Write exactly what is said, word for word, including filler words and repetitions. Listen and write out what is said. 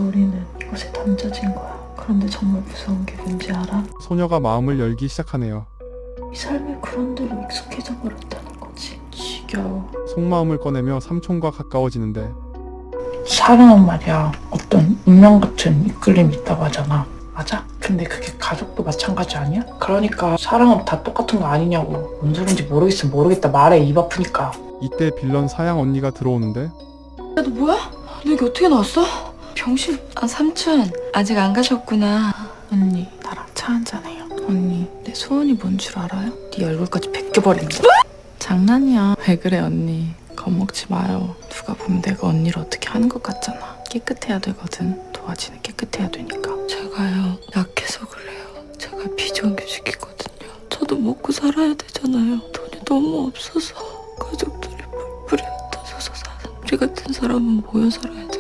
그래서 우리는 이곳에 던져진 거야. 그런데 정말 무서운 게 뭔지 알아? 소녀가 마음을 열기 시작하네요. 이 삶이 그런 대로 익숙해져 버렸다는 거지. 지겨워. 속마음을 꺼내며 삼촌과 가까워지는데 사랑은 말이야, 어떤 운명 같은 이끌림이 있다고 하잖아. 맞아? 근데 그게 가족도 마찬가지 아니야? 그러니까 사랑은 다 똑같은 거 아니냐고. 뭔 소린지 모르겠으면 모르겠다 말해, 입 아프니까. 이때 빌런 사양 언니가 들어오는데 야, 너 뭐야? 너 여기 어떻게 나왔어? 병신. 아, 삼촌 아직 안 가셨구나. 언니 나랑 차 한잔해요. 언니 내 소원이 뭔 줄 알아요? 네 얼굴까지 벗겨버린다. 장난이야. 왜 그래 언니. 겁먹지 마요. 누가 보면 내가 언니를 어떻게 하는 것 같잖아. 깨끗해야 되거든. 도화지는 깨끗해야 되니까. 제가요 약해서 그래요. 제가 비정규직이거든요. 저도 먹고 살아야 되잖아요. 돈이 너무 없어서 가족들이 뿔뿔이 흩어져서 사는 우리 같은 사람은 모여 살아야